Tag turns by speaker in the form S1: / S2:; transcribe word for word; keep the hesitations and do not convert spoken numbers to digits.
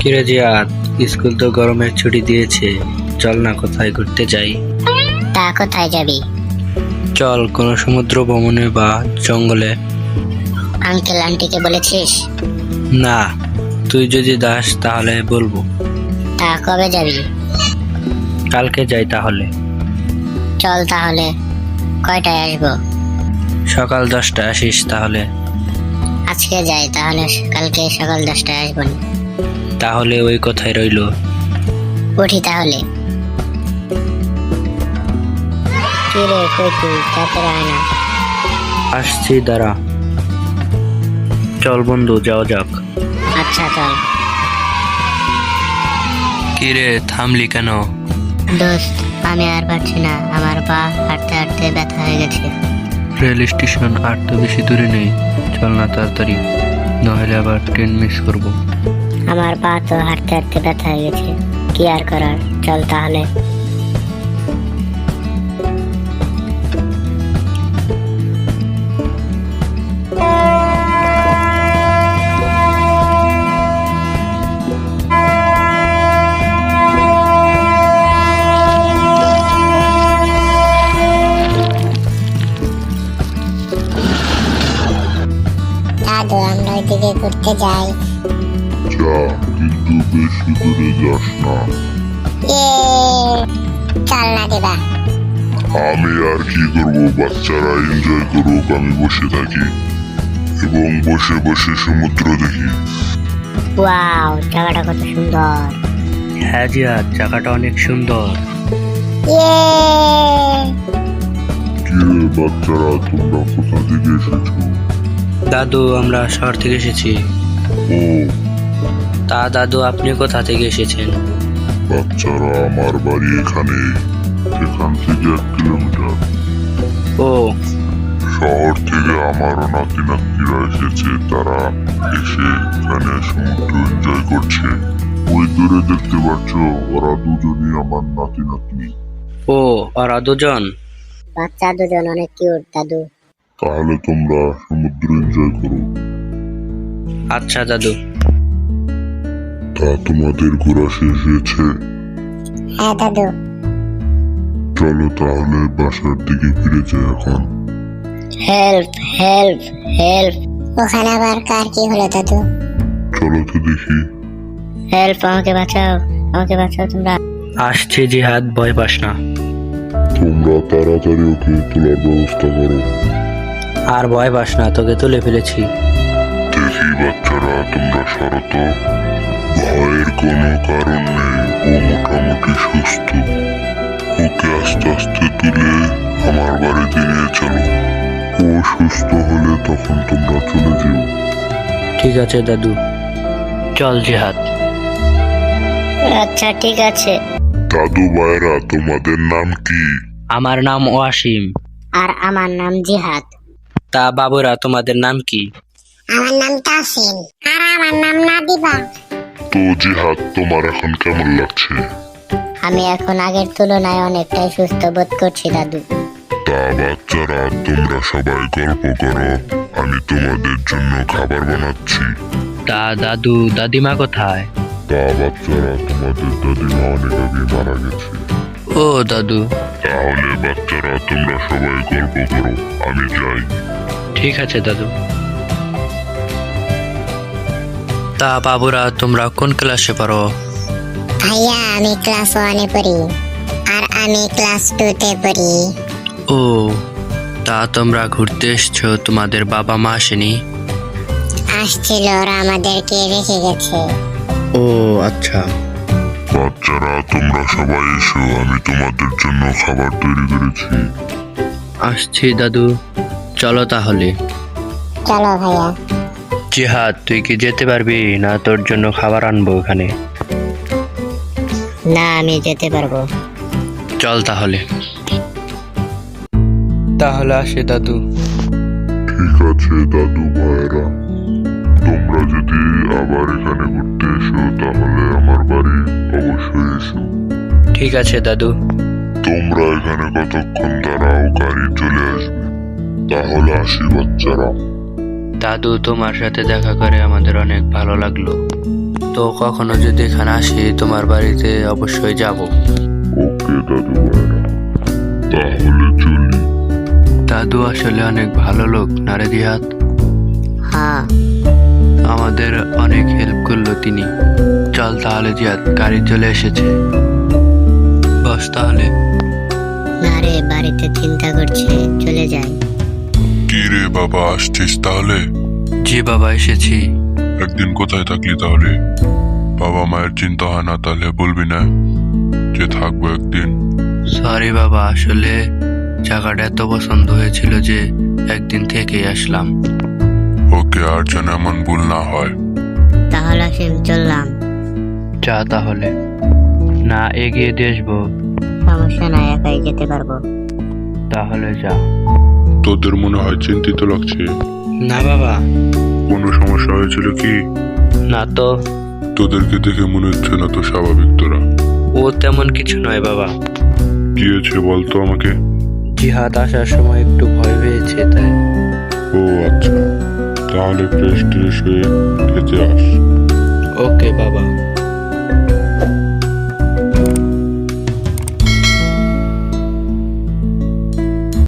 S1: কিরে জিয়াদ, স্কুল তো গরমের ছুটি দিয়েছে, চল না কোথায় ঘুরতে যাই।
S2: তা কোথায় যাবি?
S1: চল কোনো সমুদ্র ভ্রমণে বা জঙ্গলে।
S2: আঙ্কেল আন্টিকে বলেছিস?
S1: না, তুই যদি দাস তাহলে বলবো।
S2: তা কবে যাবি?
S1: কালকে যাই তাহলে।
S2: চল তাহলে। কয়টায় আসবো?
S1: সকাল দশটায় আসিস তাহলে।
S2: আজকে যাই তাহলে, কালকে সকাল দশটায় আসবো না।
S1: তাহলে ওই কথাই রইলো।
S2: উঠি তাহলে। কি রে, কই তুই? তাড়াতাড়ি আয় না।
S1: আসছি, দাঁড়া। চল বন্ধু, যাওয়া যাক।
S2: আচ্ছা চল।
S1: কিরে থামলি কেন?
S2: দোস্ত, আমি আর পারছি না, আমার পা হাঁটতে হাঁটতে ব্যথা হয়ে গেছে।
S1: রেল স্টেশন আর তো বেশি দূরে নেই, চল না তাড়াতাড়ি, নইলে আবার ট্রেন মিস করবো।
S2: আমার পা তো হাঁটতে হাঁটতে ব্যথা হয়ে গেছে, কি আর করার, চল তাহলে। দাদু, আমরা ওইদিকে ঘুরতে যাই।
S3: যা, কিন্তু বেশি দূরে যাস না।
S2: ইয়ে, চল না দিবা।
S3: আমি আর কি করব, বাচ্চারা এনজয় করুক, আমি বসে থাকি এবং বসে বসে সমুদ্র দেখি।
S2: ওয়াও, জায়গাটা কত সুন্দর।
S1: হ্যাঁ জিয়াদ, জায়গাটা অনেক সুন্দর।
S2: ইয়ে,
S3: কি রে বাচ্চারা, তোমরা কোথা থেকে এসেছো?
S1: দাদু, আমরা শহর থেকে এসেছি।
S3: ও
S1: তা দাদু, আপনি কোথা থেকে এসেছেন?
S3: বাচ্চারা, আমার বাড়ি এখানে, এখান থেকে এক কিলোমিটার।
S1: ও,
S3: শহর থেকে আমারও নাতি নাতনিরা এসেছে, তারা এসে এখানে সমুদ্র এনজয় করছে। ওই দূরে দেখতে পাচ্ছ, ওরা দুজনই আমার নাতি নাতনি।
S1: ও ওরা দুজন?
S2: বাচ্চা দুজন অনেক কিউট দাদু।
S3: তাহলে তোমরা সমুদ্র এনজয় করো।
S1: আচ্ছা দাদু।
S3: তা তোমাদের ঘোরা শেষ হয়েছে?
S2: হ্যাঁ দাদু।
S3: চলো তাহলে বাসার দিকে ফিরে যাই এখন।
S2: Help help help. ওখানে আবার কার কি হলো দাদু?
S3: চলো তো দেখি।
S2: হেল্প, আমাকে বাঁচাও, আমাকে বাঁচাও তোমরা।
S1: আসছে জিহাদ, ভয় পাস না।
S3: তোমরা তাড়াতাড়ি ওকে তোলার ব্যবস্থা করো।
S1: আর ভয় পাস না, তোকে তুলে ফেলেছি।
S3: দেখি বাচ্চারা, তোমরা সরো তো। ভয়ের কোনো কারণ নেই, ও মোটামুটি সুস্থ। ওকে আস্তে আস্তে তুলে আমার বাড়িতে নিয়ে চলো। ও সুস্থ হলে তখন তোমরা চলে যেও।
S1: ঠিক আছে দাদু, চল জিহাদ।
S2: আচ্ছা ঠিক আছে।
S3: দাদু ভাইরা, তোমাদের নাম কি?
S1: আমার নাম ওয়াসিম।
S2: আর আমার নাম জিহাদ।
S1: তা বাবুরা, তোমাদের নাম কি?
S2: আমার নাম তাসিন। আর আমার নাম নাদিবা।
S3: তো জিহাদ, তোমার এখন কেমন লাগছে?
S2: আমি এখন আগের তুলনায় অনেকটাই সুস্থ বোধ করছি দাদু।
S3: তা বাচ্চারা, তোমরা সবাই গল্প করো, আমি তোমাদের জন্য খাবার বানাচ্ছি।
S1: তা দাদু, দাদিমা কোথায়?
S3: তা বাচ্চারা, তোমাদের দাদিমা অনেক আগে মারা গেছে।
S1: ও দাদু।
S3: তাহলে বাচ্চারা, তোমরা সবাই গল্প করো, আমি যাই।
S1: ঠিক আছে দাদু। তা বাবুরা, তোমরা কোন ক্লাসে পড়ো?
S2: ভাইয়া, আমি ক্লাস ওয়ানে পড়ি। আর আমি ক্লাস টু তে পড়ি।
S1: ও, তা তোমরা ঘুরতে এসছো, তোমাদের বাবা মা আসেনি?
S2: আসছিল, ওরা আমাদেরকে রেখে গেছে।
S1: ও আচ্ছা।
S3: বাচ্চারা, তোমরা সবাই এসো, আমি তোমাদের জন্য খাবার তৈরি করেছি।
S1: আসছি দাদু, চলো তাহলে।
S2: চলো ভাইয়া।
S1: জিহাদ, তুই কি যেতে পারবি না? তোর জন্য খাবার আনবো এখানে।
S2: না, আমি যেতে পারবো।
S1: চল তাহলে। তাহলে আসে দাদু।
S3: ঠিক আছে দাদু ভাইরা, তোমরা যদি আবার এখানে ঘুরতে এসো তাহলে আমার বাড়ি অবশ্যই এসো।
S1: ঠিক আছে দাদু।
S3: তোমরা এখানে কতক্ষণ দাঁড়াও, গাড়ি চলে আসবে। তাহলে আসি বাচ্চারা।
S1: দাদু, তোমার সাথে দেখা করে আমাদের অনেক ভালো লাগলো। তো কখনো যদি এখানে আসি তোমার বাড়িতে অবশ্যই যাব।
S3: ওকে দাদু ভাইরা, তাহলে চলি।
S1: দাদু আসলে অনেক ভালো লোক না রে দিহাত?
S2: হ্যাঁ,
S1: আমাদের অনেক হেল্প করলো তিনি। চল তাহলে জিয়াদ, গাড়ি চলে এসেছে। বস তাহলে।
S2: না রে, বাড়িতে চিন্তা করছে, চলে যাই।
S3: কি রে বাবা, আসছিস তাহলে?
S1: জি বাবা, এসেছি।
S3: একদিন কোথায় থাকলি তাহলে? বাবা মায়ের চিন্তা হয় না তাহলে বলবি না যে থাকবো একদিন?
S1: সরি বাবা, আসলে জায়গাটা এত পছন্দ হয়েছিল যে একদিন থেকেই আসলাম।
S3: ওকে, আর যেন এমন ভুল না হয়।
S2: তাহলে আসেন, চললাম।
S1: যা তাহলে। না এগিয়ে দিয়ে আসবো?
S2: সমস্যা নাই, একাই যেতে পারবো।
S1: তাহলে যা।
S3: তোদের মনে হয় চিন্তিত লাগছে।
S1: না বাবা।
S3: কোনো সমস্যা হয়েছিল কি?
S1: না তো।
S3: তোদেরকে দেখে মনে হচ্ছে না তো স্বাভাবিক তোরা।
S1: ও তেমন কিছু নয় বাবা।
S3: কি হয়েছে বলতো আমাকে?
S1: জিহাদ আসার সময় একটু ভয় পেয়েছে তাই।
S3: ও আচ্ছা, তাহলে ফ্রেশ ট্রেশ হয়ে খেতে আস।
S1: ওকে বাবা।